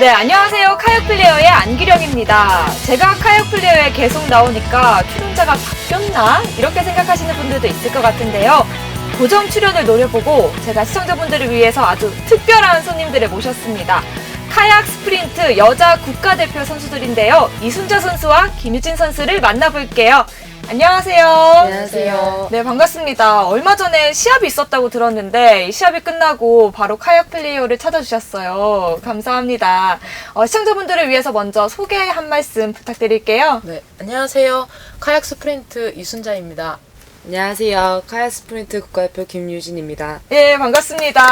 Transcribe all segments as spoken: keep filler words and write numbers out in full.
네, 안녕하세요. 카약 플레이어의 안기령입니다. 제가 카약 플레이어에 계속 나오니까 출연자가 바뀌었나? 이렇게 생각하시는 분들도 있을 것 같은데요. 고정 출연을 노려보고 제가 시청자분들을 위해서 아주 특별한 손님들을 모셨습니다. 카약 스프린트 여자 국가대표 선수들인데요. 이순자 선수와 김유진 선수를 만나볼게요. 안녕하세요. 안녕하세요. 네, 반갑습니다. 얼마 전에 시합이 있었다고 들었는데 이 시합이 끝나고 바로 카약 플레이어를 찾아주셨어요. 감사합니다. 어, 시청자분들을 위해서 먼저 소개 한 말씀 부탁드릴게요. 네, 안녕하세요. 카약 스프린트 이순자입니다. 안녕하세요. 카약 스프린트 국가대표 김유진입니다. 예, 반갑습니다.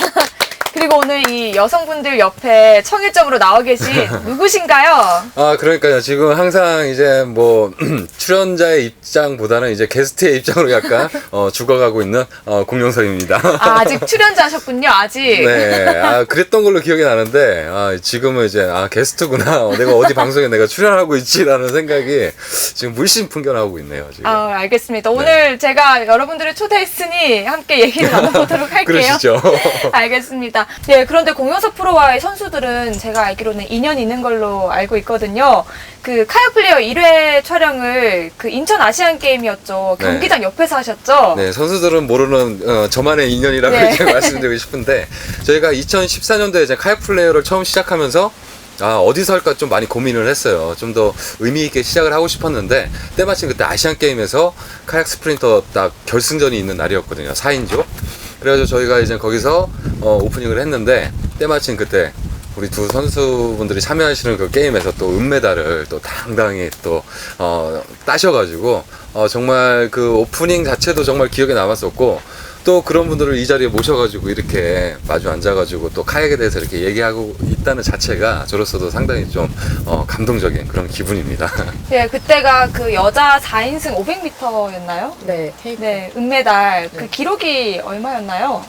그리고 오늘 이 여성분들 옆에 청일점으로 나와 계신 누구신가요? 아, 그러니까요. 지금 항상 이제 뭐, 출연자의 입장보다는 이제 게스트의 입장으로 약간, 어, 죽어가고 있는, 어, 공룡석입니다. 아, 아직 출연자셨군요, 아직. 네. 아, 그랬던 걸로 기억이 나는데, 아, 지금은 이제, 아, 게스트구나. 어, 내가 어디 방송에 내가 출연하고 있지라는 생각이 지금 물씬 풍겨나오고 있네요, 지금. 아, 알겠습니다. 오늘 제가 여러분들을 초대했으니 함께 얘기를 나눠보도록 할게요. 그러시죠. 알겠습니다. 네, 그런데 공영석 프로와의 선수들은 제가 알기로는 인연이 있는 걸로 알고 있거든요. 그 카약 플레이어 일 회 촬영을 그 인천 아시안 게임이었죠. 네. 경기장 옆에서 하셨죠? 네, 선수들은 모르는 어, 저만의 인연이라고 네. 이제 말씀드리고 싶은데, 저희가 이천십사 년도에 이제 카약 플레이어를 처음 시작하면서 아, 어디서 할까 좀 많이 고민을 했어요. 좀 더 의미 있게 시작을 하고 싶었는데, 때마침 그때 아시안 게임에서 카약 스프린터 딱 결승전이 있는 날이었거든요. 사 인조. 그래가지고 저희가 이제 거기서 어, 오프닝을 했는데, 때마침 그때 우리 두 선수분들이 참여하시는 그 게임에서 또 은메달을 또 당당히 또 어, 따셔가지고 어, 정말 그 오프닝 자체도 정말 기억에 남았었고, 또 그런 분들을 이 자리에 모셔가지고 이렇게 마주 앉아가지고 또 카약에 대해서 이렇게 얘기하고 있다는 자체가 저로서도 상당히 좀 어, 감동적인 그런 기분입니다. 네, 그때가 그 여자 사 인승 오백 미터였나요? 네, 테이프 네, 은메달. 그 네. 기록이 얼마였나요?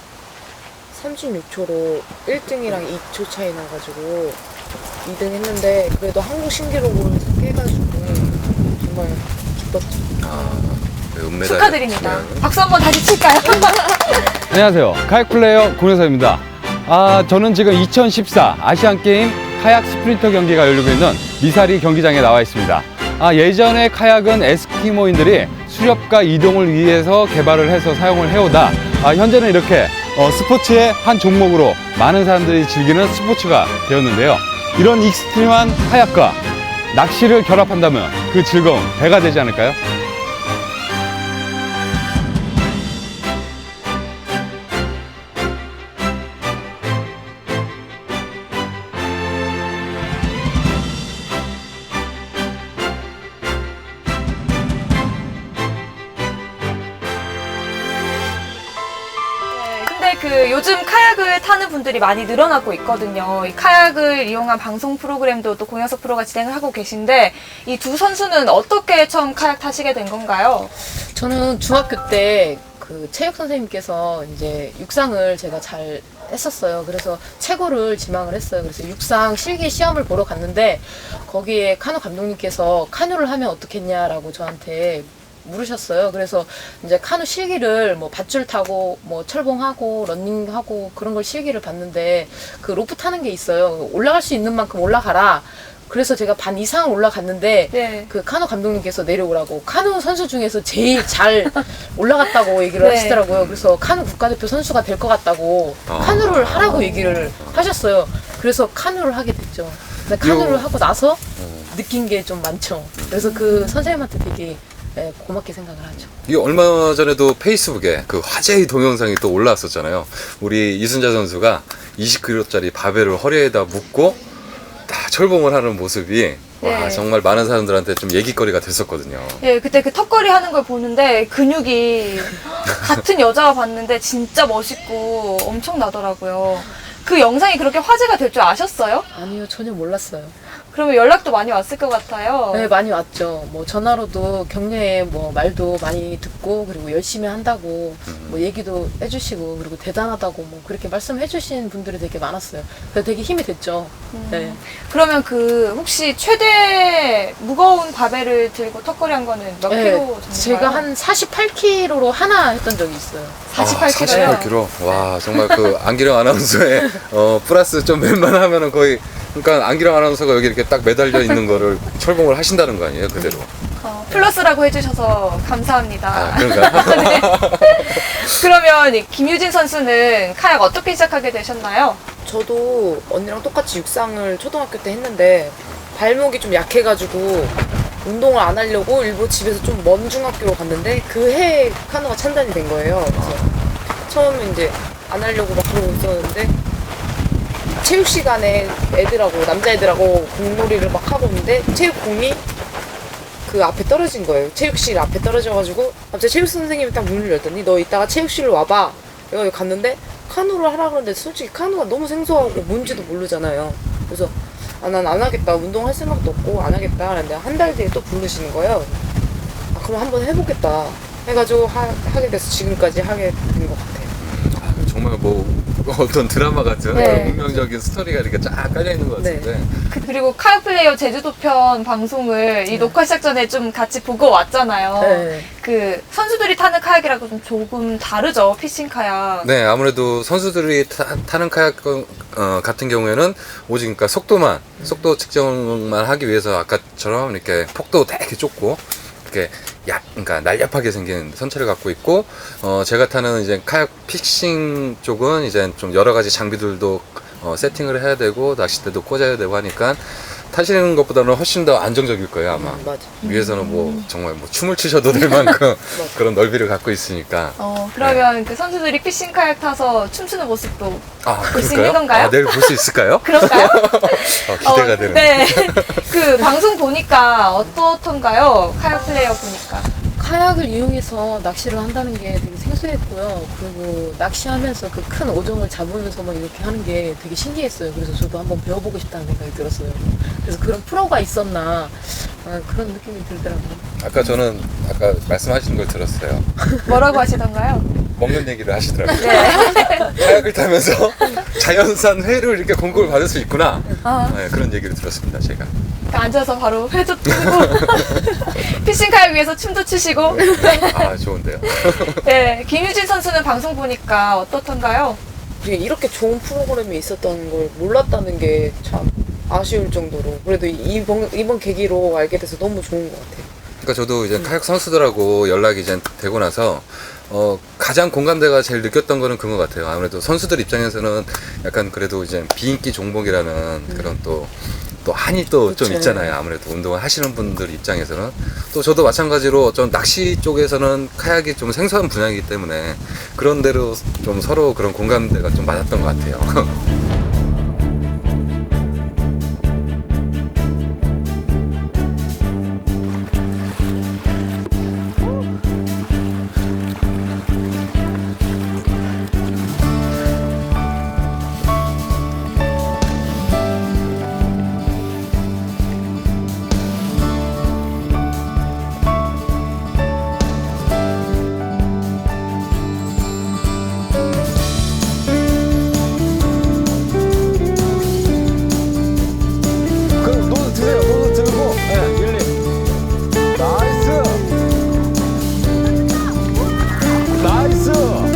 삼십육 초로 일 등이랑 이 초 차이 나가지고 이 등 했는데, 그래도 한국 신기록으로 깨가지고 정말 기뻤죠. 아, 그 은메달. 축하드립니다. 네. 박수 한번 다시 칠까요? 안녕하세요. 카약 플레이어 공영석입니다. 아, 저는 지금 이천십사 아시안게임 카약 스프린터 경기가 열리고 있는 미사리 경기장에 나와 있습니다. 아, 예전에 카약은 에스키모인들이 수렵과 이동을 위해서 개발을 해서 사용을 해오다 아, 현재는 이렇게 어, 스포츠의 한 종목으로 많은 사람들이 즐기는 스포츠가 되었는데요. 이런 익스트림한 카약과 낚시를 결합한다면 그 즐거움 배가 되지 않을까요? 근데 그 요즘 카약을 타는 분들이 많이 늘어나고 있거든요. 이 카약을 이용한 방송 프로그램도 또 공영석 프로가 진행을 하고 계신데, 이 두 선수는 어떻게 처음 카약 타시게 된 건가요? 저는 중학교 때 그 체육 선생님께서 이제 육상을 제가 잘 했었어요. 그래서 최고를 지망을 했어요. 그래서 육상 실기 시험을 보러 갔는데, 거기에 카누 감독님께서 카누를 하면 어떻겠냐라고 저한테 물으셨어요. 그래서 이제 카누 실기를 뭐 밧줄 타고 뭐 철봉하고 런닝하고 그런 걸 실기를 봤는데, 그 로프 타는 게 있어요. 올라갈 수 있는 만큼 올라가라. 그래서 제가 반 이상을 올라갔는데, 네. 그 카누 감독님께서 내려오라고, 카누 선수 중에서 제일 잘 올라갔다고 얘기를 네. 하시더라고요. 그래서 카누 국가대표 선수가 될 것 같다고 아. 카누를 하라고 얘기를 하셨어요. 그래서 카누를 하게 됐죠. 근데 카누를 요- 하고 나서 느낀 게 좀 많죠. 그래서 그 선생님한테 되게 네, 고맙게 생각을 하죠. 이 얼마 전에도 페이스북에 그 화제의 동영상이 또 올라왔었잖아요. 우리 이순자 선수가 이십 킬로그램짜리 바벨을 허리에다 묶고 다 철봉을 하는 모습이 네. 와, 정말 많은 사람들한테 좀 얘기거리가 됐었거든요. 예, 그때 그 턱걸이 하는 걸 보는데 근육이 같은 여자가 봤는데 진짜 멋있고 엄청나더라고요. 그 영상이 그렇게 화제가 될 줄 아셨어요? 아니요, 전혀 몰랐어요. 그러면 연락도 많이 왔을 것 같아요. 네, 많이 왔죠. 뭐 전화로도 격려의 뭐 말도 많이 듣고, 그리고 열심히 한다고 뭐 얘기도 해주시고, 그리고 대단하다고 뭐 그렇게 말씀해주신 분들이 되게 많았어요. 그래서 되게 힘이 됐죠. 네. 그러면 그 혹시 최대 무거운 바벨을 들고 턱걸이 한 거는 몇 네, 킬로 정도인가요? 제가 한 사십팔 킬로그램로 하나 했던 적이 있어요. 사십팔 킬로요? 아, 사십팔 킬로그램. 와, 정말 그 안기령 아나운서의 어, 플러스 좀 웬만하면은 거의 그러니까 안기령 아나운서가 여기 이렇게 딱 매달려 있는 거를 철봉을 하신다는 거 아니에요, 그대로. 어, 플러스라고 해주셔서 감사합니다. 아, 그런가? 네. 그러면 이 김유진 선수는 카약 어떻게 시작하게 되셨나요? 저도 언니랑 똑같이 육상을 초등학교 때 했는데 발목이 좀 약해가지고 운동을 안 하려고 일부 집에서 좀 먼 중학교로 갔는데 그 해에 카누가 찬단이 된 거예요. 그래서 처음에 이제 안 하려고 막 그러고 있었는데 체육 시간에 애들하고 남자애들하고 공놀이를 막 하고 있는데 체육공이 그 앞에 떨어진 거예요. 체육실 앞에 떨어져가지고 갑자기 체육 선생님이 딱 문을 열더니 너 이따가 체육실로 와봐. 내가 여기 갔는데 카누를 하라 그러는데 솔직히 카누가 너무 생소하고 뭔지도 모르잖아요. 그래서 아, 난 안 하겠다. 운동할 생각도 없고 안 하겠다. 그런데 한 달 뒤에 또 부르시는 거예요. 아, 그럼 한번 해보겠다. 해가지고 하, 하게 돼서 지금까지 하게 된 것 같아요. 아, 정말 뭐 어떤 드라마 같은 네. 그런 운명적인 스토리가 이렇게 쫙 깔려 있는 것 같은데. 그- 그리고 카약 플레이어 제주도 편 방송을 이 녹화 시작 전에 좀 같이 보고 왔잖아요. 네. 그 선수들이 타는 카약이라고 좀 조금 다르죠, 피싱 카약. 네, 아무래도 선수들이 타, 는 카약 어, 같은 경우에는 오직 그러니까 속도만, 속도 측정만 하기 위해서 아까처럼 이렇게 폭도 되게 좁고 이렇게 약, 그러니까 날렵하게 생긴 선체를 갖고 있고, 어, 제가 타는 이제 카약 피싱 쪽은 이제 좀 여러 가지 장비들도 어, 세팅을 해야 되고 낚싯대도 꽂아야 되고 하니까 타시는 것보다는 훨씬 더 안정적일 거예요, 아마. 음, 맞아. 위에서는 뭐 정말 뭐 춤을 추셔도 될 만큼 그런 넓이를 갖고 있으니까. 어, 그러면 그 선수들이 피싱 카약 타서 춤추는 모습도 아, 볼 수 그럴까요? 있는 건가요? 아, 내일 볼 수 있을까요? 그런가요? 어, 기대가 어, 되는. 네. 그 방송 보니까 어떻던가요? 카약 플레이어 보니까. 카약을 이용해서 낚시를 한다는 게 되게 생소했고요. 그리고 낚시하면서 그 큰 어종을 잡으면서 막 이렇게 하는 게 되게 신기했어요. 그래서 저도 한번 배워보고 싶다는 생각이 들었어요. 그래서 그런 프로가 있었나 아, 그런 느낌이 들더라고요. 아까 저는 아까 말씀하시는 걸 들었어요. 뭐라고 하시던가요? 먹는 얘기를 하시더라고요. 네. 카약을 타면서 자연산 회를 이렇게 공급을 받을 수 있구나. 아, 네, 그런 얘기를 들었습니다, 제가. 그러니까 앉아서 바로 회도 뜨고 피싱 카약 위에서 춤도 추시고. 아, 좋은데요. 네, 김유진 선수는 방송 보니까 어떻던가요? 이게 이렇게 좋은 프로그램이 있었던 걸 몰랐다는 게 참 아쉬울 정도로 그래도 이번, 이번 계기로 알게 돼서 너무 좋은 것 같아요. 그러니까 저도 이제 카약 선수들하고 연락이 이제 되고 나서 어, 가장 공감대가 제일 느꼈던 거는 그런 것 같아요. 아무래도 선수들 입장에서는 약간 그래도 이제 비인기 종목이라는 음. 그런 또, 또 한이 또 좀 그쵸. 있잖아요. 아무래도 운동을 하시는 분들 입장에서는. 또 저도 마찬가지로 좀 낚시 쪽에서는 카약이 좀 생소한 분야이기 때문에 그런 대로 좀 서로 그런 공감대가 좀 맞았던 것 같아요. 그럼 노드 드세요. 노드 들고. 네, 일리. 나이스. 나이스.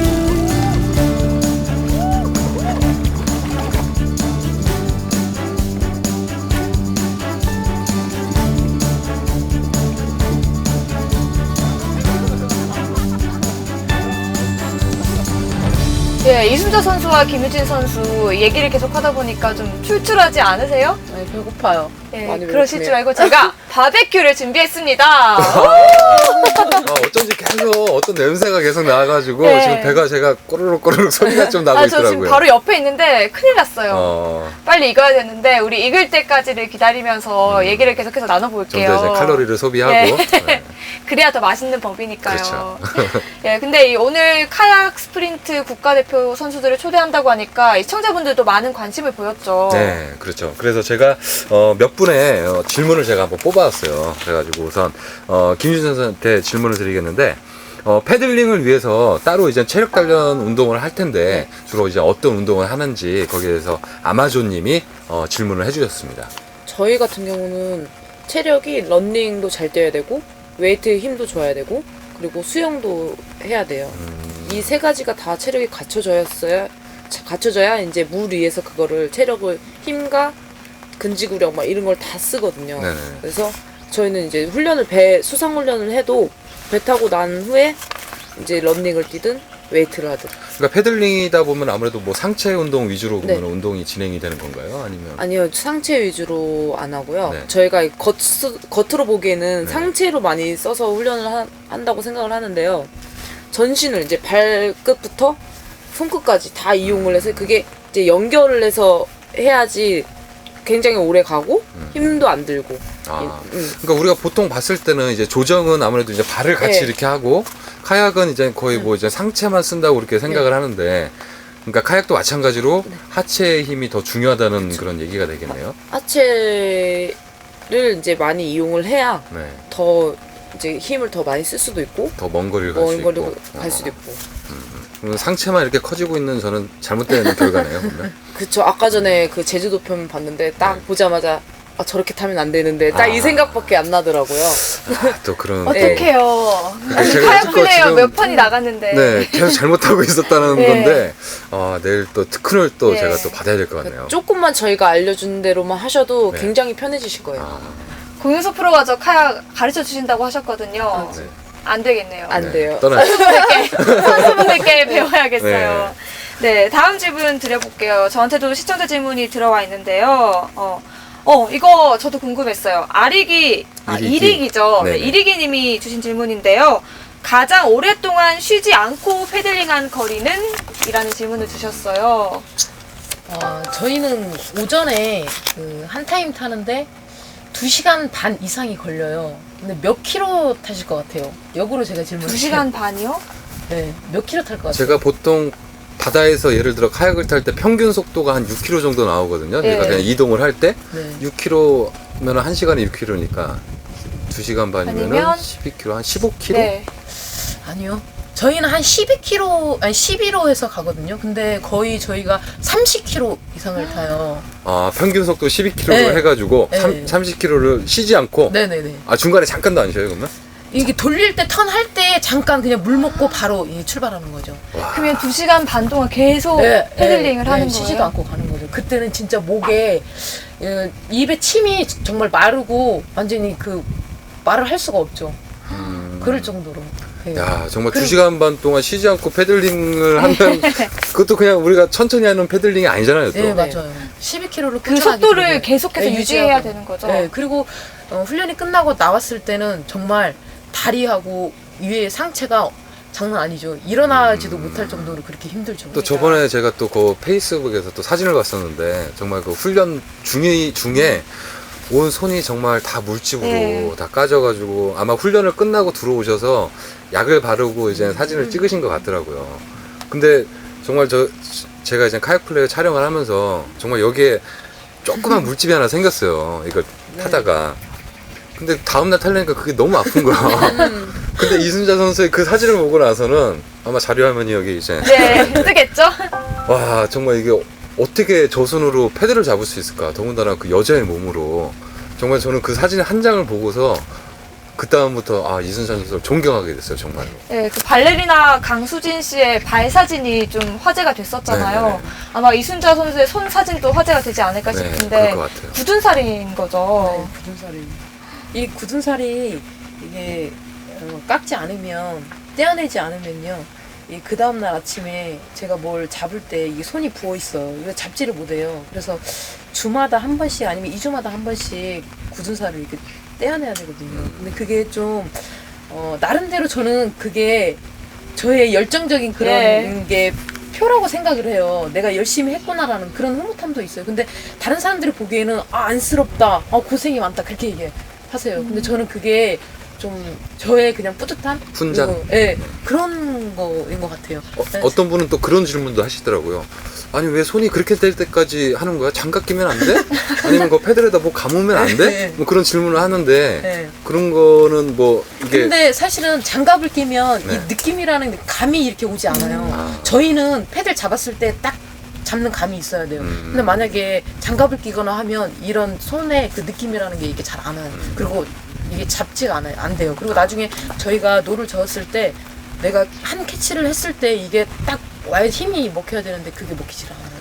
예, 이순자 선수와 김유진 선수 얘기를 계속 하다 보니까 좀 출출하지 않으세요? 아니, 배고파요. 예, 많이 그러실 배고프네요. 줄 알고 제가 바베큐를 준비했습니다. 아, 어쩐지 계속 어떤 냄새가 계속 나와가지고 네. 지금 배가 제가 꼬르륵 꼬르륵 소리가 좀 나고 아, 저 있더라고요. 지금 바로 옆에 있는데 큰일 났어요. 어, 빨리 익어야 되는데 우리 익을 때까지를 기다리면서 얘기를 계속해서 좀 더 나눠볼게요. 이제 칼로리를 소비하고. 네. 네. 그래야 더 맛있는 법이니까요. 그렇죠. 예, 근데 이 오늘 카약 스프린트 국가대표 선수들을 초대한다고 하니까 시청자분들도 많은 관심을 보였죠. 네, 그렇죠. 그래서 제가 어, 몇 분의 어, 질문을 제가 한번 뽑아왔어요. 그래가지고 우선 어, 김유진 선수한테 질문을 드리겠는데 어, 패들링을 위해서 따로 이제 체력 단련 운동을 할 텐데 주로 이제 어떤 운동을 하는지 거기에 대해서 아마존님이 어, 질문을 해주셨습니다. 저희 같은 경우는 체력이 런닝도 잘 뛰어야 되고 웨이트 힘도 줘야 되고 그리고 수영도 해야 돼요. 음, 이 세 가지가 다 체력이 갖춰져야 갖춰져야 이제 물 위에서 그거를 체력을 힘과 근지구력 막 이런 걸 다 쓰거든요. 네네. 그래서 저희는 이제 훈련을 배 수상 훈련을 해도 배 타고 난 후에 이제 러닝을 뛰든 웨이트를 하든. 그러니까 패들링이다 보면 아무래도 뭐 상체 운동 위주로 네. 그러면 운동이 진행이 되는 건가요? 아니면 아니요, 상체 위주로 안 하고요. 네. 저희가 겉, 겉으로 보기에는 네. 상체로 많이 써서 훈련을 하, 한다고 생각을 하는데요. 전신을 이제 발끝부터 손끝까지 다 이용을 해서 그게 이제 연결을 해서 해야지 굉장히 오래 가고 음. 힘도 안 들고. 아, 음. 그러니까 우리가 보통 봤을 때는 이제 조정은 아무래도 이제 발을 같이 네. 이렇게 하고 카약은 이제 거의 뭐 이제 상체만 쓴다고 그렇게 생각을 네. 하는데 그러니까 카약도 마찬가지로 하체의 힘이 더 중요하다는 그런 얘기가 되겠네요. 하체를 이제 많이 이용을 해야 네. 더 이제 힘을 더 많이 쓸 수도 있고 더 먼 거리를 갈 수 먼 있고. 거리를 갈 어. 수도 있고. 그러면 상체만 이렇게 커지고 있는 저는 잘못된 결과네요. 그러면. 그쵸. 아까 전에 그 제주도 편 봤는데 딱 네. 보자마자 아 저렇게 타면 안 되는데 딱 이 아. 생각밖에 안 나더라고요. 아, 또 그런. 네. 어떡해요. 아니, 제가 카약 여지껏 플레이어 지금- 몇 판이 나갔는데. 네, 계속 잘못하고 있었다는 네. 건데, 아, 내일 또 특훈을 또 네. 제가 또 받아야 될 것 같네요. 조금만 저희가 알려준 대로만 하셔도 네. 굉장히 편해지실 거예요. 아, 공유소 프로가 저 카약 가르쳐 주신다고 하셨거든요. 네. 안 되겠네요. 안 돼요. 떠나시죠. 선수분들께, 선수분들께 배워야겠어요. 네, 다음 질문 드려볼게요. 저한테도 시청자 질문이 들어와 있는데요. 어, 어 이거 저도 궁금했어요. 아리기, 아, 이리기. 이리기죠. 네, 네네. 이리기 님이 주신 질문인데요. 가장 오랫동안 쉬지 않고 패들링한 거리는? 이라는 질문을 주셨어요. 어, 저희는 오전에 그 한 타임 타는데 두 시간 반 이상이 걸려요. 근데 몇 킬로 타실 것 같아요? 역으로 제가 질문을 두 시간 반이요? 네, 몇 킬로 탈 것 같아요? 제가 보통 바다에서 예를 들어 카약을 탈 때 평균 속도가 한 육 킬로미터 정도 나오거든요. 네. 그러니까 그냥 이동을 할 때 네. 육 킬로미터면 한 시간에 육 킬로미터니까 두 시간 반이면 아니면? 십이 킬로미터, 한 십오 킬로미터? 네. 아니요. 저희는 한 십이 킬로, 아니 십일로 해서 가거든요. 근데 거의 저희가 삼십 킬로 이상을 타요. 아, 평균 속도 십이 킬로미터로 네. 해가지고 네. 삼, 삼십 킬로미터를 쉬지 않고 네네네. 아, 중간에 잠깐도 안 쉬어요, 그러면? 이게 돌릴 때, 턴 할 때 잠깐 그냥 물 먹고 바로 이 출발하는 거죠. 그러면 두 시간 반 동안 계속 패들링을 네, 하는 거예요? 쉬지도 않고 가는 거죠. 그때는 진짜 목에, 어, 입에 침이 정말 마르고 완전히 그 말을 할 수가 없죠. 음. 그럴 정도로. 네. 야, 정말 그리고- 두 시간 반 동안 쉬지 않고 패들링을 하면 그것도 그냥 우리가 천천히 하는 패들링이 아니잖아요, 또. 네, 맞아요. 십이 킬로미터를 그 속도를 계속해서 유지해야 되는 거죠? 네, 그리고 어, 훈련이 끝나고 나왔을 때는 정말 다리하고 위에 상체가 장난 아니죠. 일어나지도 못할 정도로 그렇게 힘들죠. 또 저번에 제가 또 그 페이스북에서 또 사진을 봤었는데 정말 그 훈련 중에 중에 온 손이 정말 다 물집으로 네. 다 까져가지고 아마 훈련을 끝나고 들어오셔서 약을 바르고 이제 사진을 찍으신 것 같더라고요. 근데 정말 저 제가 이제 카약 플레이어 촬영을 하면서 정말 여기에 조그만 물집이 하나 생겼어요. 이걸 타다가. 근데 다음날 탈려니까 그게 너무 아픈 거야. 근데 이순자 선수의 그 사진을 보고 나서는 아마 자료 화면이 여기 이제 네, 뜨겠죠? 와 정말 이게 어떻게 저 손으로 패드를 잡을 수 있을까? 더군다나 그 여자의 몸으로 정말 저는 그 사진 한 장을 보고서 그 다음부터 아 이순자 선수를 존경하게 됐어요 정말로. 네, 그 발레리나 강수진 씨의 발 사진이 좀 화제가 됐었잖아요. 네네네. 아마 이순자 선수의 손 사진도 화제가 되지 않을까 네, 싶은데 그럴 것 같아요. 굳은 살인 거죠. 네, 굳은 살이. 이 굳은 살이 이게 어, 깎지 않으면 떼어내지 않으면요. 이 그 다음 날 아침에 제가 뭘 잡을 때 이게 손이 부어 있어요. 이거 잡지를 못해요. 그래서 주마다 한 번씩 아니면 이 주마다 한 번씩 굳은 살을 이렇게 떼어내야 되거든요. 근데 그게 좀 어, 나름대로 저는 그게 저의 열정적인 그런 네. 게 표라고 생각을 해요. 내가 열심히 했구나라는 그런 흐뭇함도 있어요. 근데 다른 사람들이 보기에는 아 안쓰럽다, 아 고생이 많다 그렇게 얘기해 하세요. 근데 저는 그게 좀 저의 그냥 뿌듯함, 훈장? 그리고, 예, 그런 거인 것 같아요. 어, 네. 어떤 분은 또 그런 질문도 하시더라고요. 아니 왜 손이 그렇게 될 때까지 하는 거야? 장갑 끼면 안 돼? 아니면 그 패드에다 뭐 감으면 안 돼? 네. 뭐 그런 질문을 하는데 네. 그런 거는 뭐 이게 근데 사실은 장갑을 끼면 네. 이 느낌이라는 게 감이 이렇게 오지 않아요. 아. 저희는 패드를 잡았을 때 딱 잡는 감이 있어야 돼요. 음. 근데 만약에 장갑을 끼거나 하면 이런 손의 그 느낌이라는 게 이게 잘 안 와요. 음. 그리고 이게 잡지가 않아요. 안 돼요. 그리고 나중에 저희가 노를 저었을 때 내가 한 캐치를 했을 때 이게 딱 와야 힘이 먹혀야 되는데 그게 먹히질 않아요. 음, 아,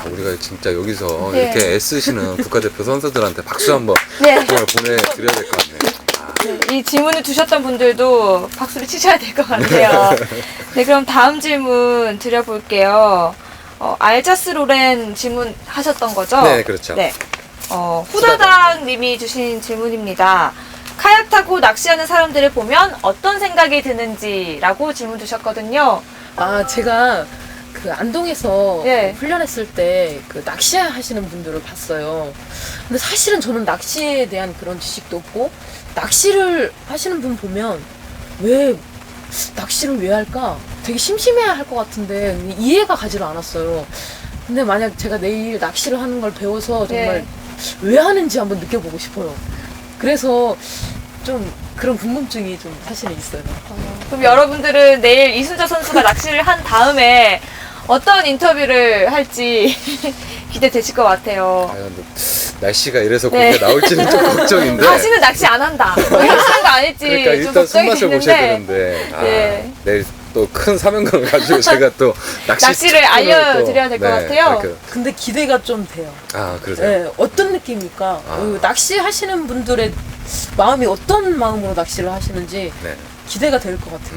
우리가 진짜 여기서 네. 이렇게 애쓰시는 국가대표 선수들한테 박수 한번 네. 정말 보내드려야 될 것 같네요. 아, 이 질문을 주셨던 분들도 박수를 치셔야 될 것 같아요. 네, 그럼 다음 질문 드려볼게요. 어, 알자스 로렌 질문하셨던 거죠? 네, 그렇죠. 네. 어, 후다닥 님이 주신 질문입니다. 카약 타고 낚시하는 사람들을 보면 어떤 생각이 드는지라고 질문 주셨거든요. 아, 제가 그 안동에서 예. 그 훈련했을 때 그 낚시 하시는 분들을 봤어요. 근데 사실은 저는 낚시에 대한 그런 지식도 없고, 낚시를 하시는 분 보면 왜 낚시를 왜 할까? 되게 심심해야 할 것 같은데 이해가 가지를 않았어요. 근데 만약 제가 내일 낚시를 하는 걸 배워서 정말 예. 왜 하는지 한번 느껴보고 싶어요. 그래서 좀 그런 궁금증이 좀 사실은 있어요. 그럼 여러분들은 내일 이순자 선수가 낚시를 한 다음에 어떤 인터뷰를 할지 기대되실 것 같아요. 과연 날씨가 이래서 네. 그렇게 나올지는 좀 걱정인데. 다시는 낚시 안 한다. 뭐 이런 거 아닐지 그러니까 좀 일단 걱정이 손맛을 보셔야 되는데 되는데 아, 네. 내일 또 큰 사명감을 가지고 제가 또 낚시 낚시를 특집을 알려드려야 될것 같아요. 그렇게- 근데 기대가 좀 돼요. 아 그러세요? 네, 어떤 느낌입니까? 아. 그 낚시 하시는 분들의 마음이 어떤 마음으로 낚시를 하시는지 네. 기대가 될 것 같아요.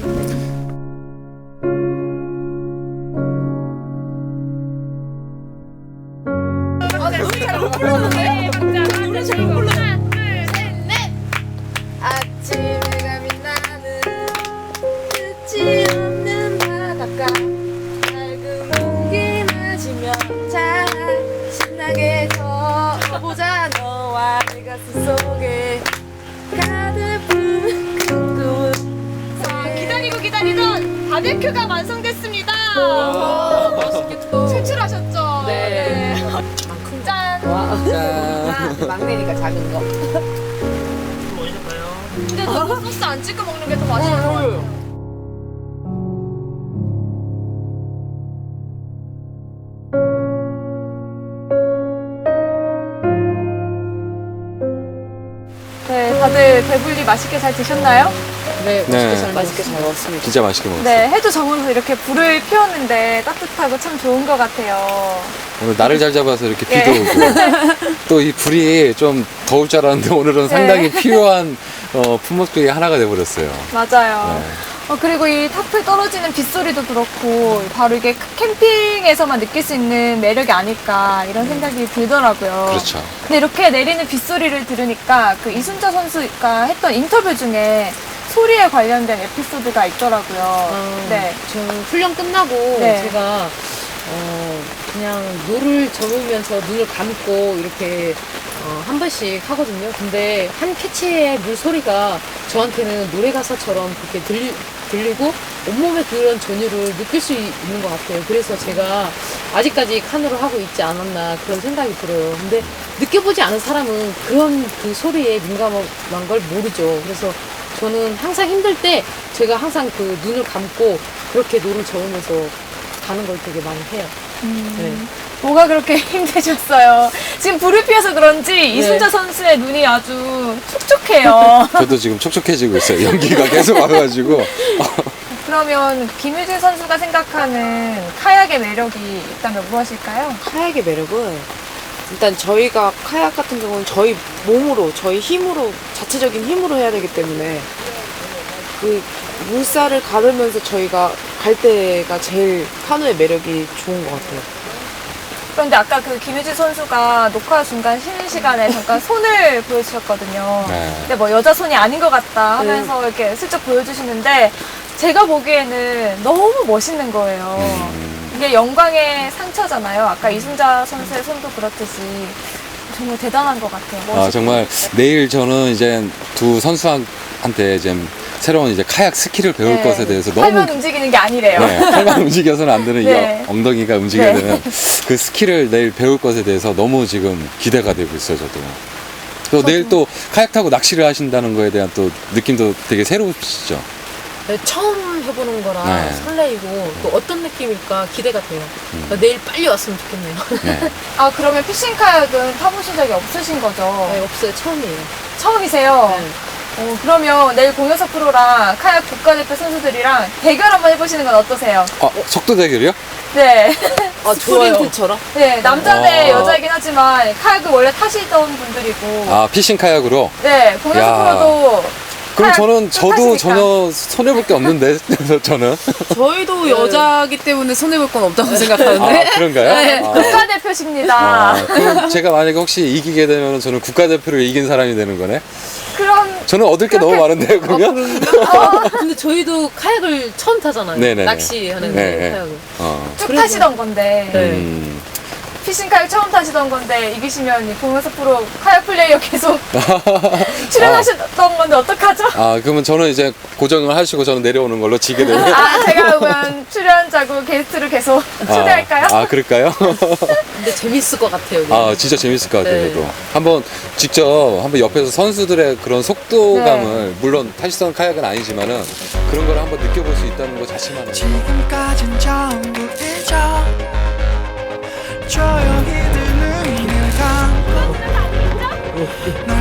아침에 감이 나는 끝이 없는 바닷가 맑은 공기 마시며 잘 신나게 걷어보자 너와 내 가슴 속에 가득 품은 큰 꿈. 자, 기다리고 기다리던 바베큐가 완성됐습니다. 맛있겠다. 제출하셨죠? 네. 짠. 와, 막내니까 작은 거. 근데 너무 소스 안 찍어 먹는 게 더 맛있는 것 같아요. 네, 다들 배불리 맛있게 잘 드셨나요? 네, 맛있게 네. 잘 맛있게 잘 먹었습니다. 진짜 맛있게 먹었어요. 네, 해도 저물어서 이렇게 불을 피웠는데 따뜻하고 참 좋은 것 같아요. 오늘 날을 잘 잡아서 이렇게 네. 비도 오고 또 이 불이 좀 더울 줄 알았는데 오늘은 상당히 필요한 어, 품목 중에 하나가 돼버렸어요. 맞아요. 네. 어, 그리고 이 탑을 떨어지는 빗소리도 그렇고 바로 이게 캠핑에서만 느낄 수 있는 매력이 아닐까 이런 생각이 들더라고요. 그렇죠. 근데 이렇게 내리는 빗소리를 들으니까 그 이순자 선수가 했던 인터뷰 중에 소리에 관련된 에피소드가 있더라고요. 아, 네. 저 훈련 끝나고 네. 제가 어, 그냥 노를 저으면서 눈을 감고 이렇게 어, 한 번씩 하거든요. 근데 한 캐치의 물 소리가 저한테는 노래 가사처럼 그렇게 들리, 들리고 온몸에 그런 전율을 느낄 수 있는 것 같아요. 그래서 제가 아직까지 카누를 하고 있지 않았나 그런 생각이 들어요. 근데 느껴보지 않은 사람은 그런 그 소리에 민감한 걸 모르죠. 그래서 저는 항상 힘들 때 제가 항상 그 눈을 감고 그렇게 노를 저으면서 가는 걸 되게 많이 해요. 음, 뭐가 그렇게 힘드셨어요? 지금 불을 피워서 그런지 이순자 선수의 눈이 아주 촉촉해요. 저도 지금 촉촉해지고 있어요. 연기가 계속 와가지고. 그러면 김유진 선수가 생각하는 카약의 매력이 있다면 무엇일까요? 카약의 매력은 일단 저희가 카약 같은 경우는 저희 몸으로, 저희 힘으로, 자체적인 힘으로 해야 되기 때문에 그 물살을 가르면서 저희가 갈 때가 제일 카누의 매력이 좋은 것 같아요. 그런데 아까 그 김유진 선수가 녹화 중간 쉬는 시간에 잠깐 손을 보여주셨거든요. 네. 근데 뭐 여자 손이 아닌 것 같다 하면서 이렇게 슬쩍 보여주시는데 제가 보기에는 너무 멋있는 거예요. 음. 이게 영광의 상처잖아요. 아까 이순자 선수의 손도 그렇듯이 정말 대단한 것 같아요. 아, 멋있고. 정말 내일 저는 이제 두 선수한테 이제 새로운 이제 카약 스킬을 배울 네. 것에 대해서 너무 팔만 움직이는 게 아니래요. 네, 팔만 움직여서는 안 되는 네. 이 엉덩이가 움직여야 네. 되는 그 스킬을 내일 배울 것에 대해서 너무 지금 기대가 되고 있어요, 저도. 또 내일 또 카약 타고 낚시를 하신다는 거에 대한 또 느낌도 되게 새로우시죠? 네, 처음 해보는 거라 네. 설레이고 또 어떤 느낌일까 기대가 돼요. 음. 그러니까 내일 빨리 왔으면 좋겠네요. 네. 아, 그러면 피싱 카약은 타보신 적이 없으신 거죠? 네, 없어요. 처음이에요. 처음이세요? 네. 어, 그러면 내일 공효석 프로랑 카약 국가대표 선수들이랑 대결 한번 해보시는 건 어떠세요? 어, 속도 대결이요? 네. 아, 좋아요. 스프린트처럼? 네, 남자 대 아. 여자이긴 하지만 카약을 원래 타시던 분들이고 아, 피싱 카약으로? 네, 공연수 야. 프로도 그럼 카약 저는, 저도 타시니까. 전혀 손해볼 게 없는데, 저는. 저희도 여자기 때문에 손해볼 건 없다고 생각하는데. 아, 그런가요? 네, 아. 국가대표십니다. 아, 그럼 제가 만약에 혹시 이기게 되면 저는 국가대표를 이긴 사람이 되는 거네? 그런 저는 얻을 게 너무 많은데요, 그러면? 근데 저희도 카약을 처음 타잖아요. 네네네. 낚시하는 네. 카약을. 어. 쭉 타시던 건데 네. 음. 피싱 카약 처음 타시던 건데 이기시면 이 공연수 프로 카약 플레이어 계속 출연하셨던 건데 어떡하죠? 아, 그러면 저는 이제 고정을 하시고 저는 내려오는 걸로 지게 되면. 아, 제가 그러면 출연자고 게스트를 계속 초대할까요? 아, 아, 그럴까요? 근데 재밌을 것 같아요. 네. 아, 진짜 재밌을 것 같아요, 네. 저도. 한번 직접 한번 옆에서 선수들의 그런 속도감을, 물론 타시던 카약은 아니지만은 그런 걸 한번 느껴볼 수 있다는 것 자체만으로. 지금까진 전부 잊어 조용히 드는 길 감고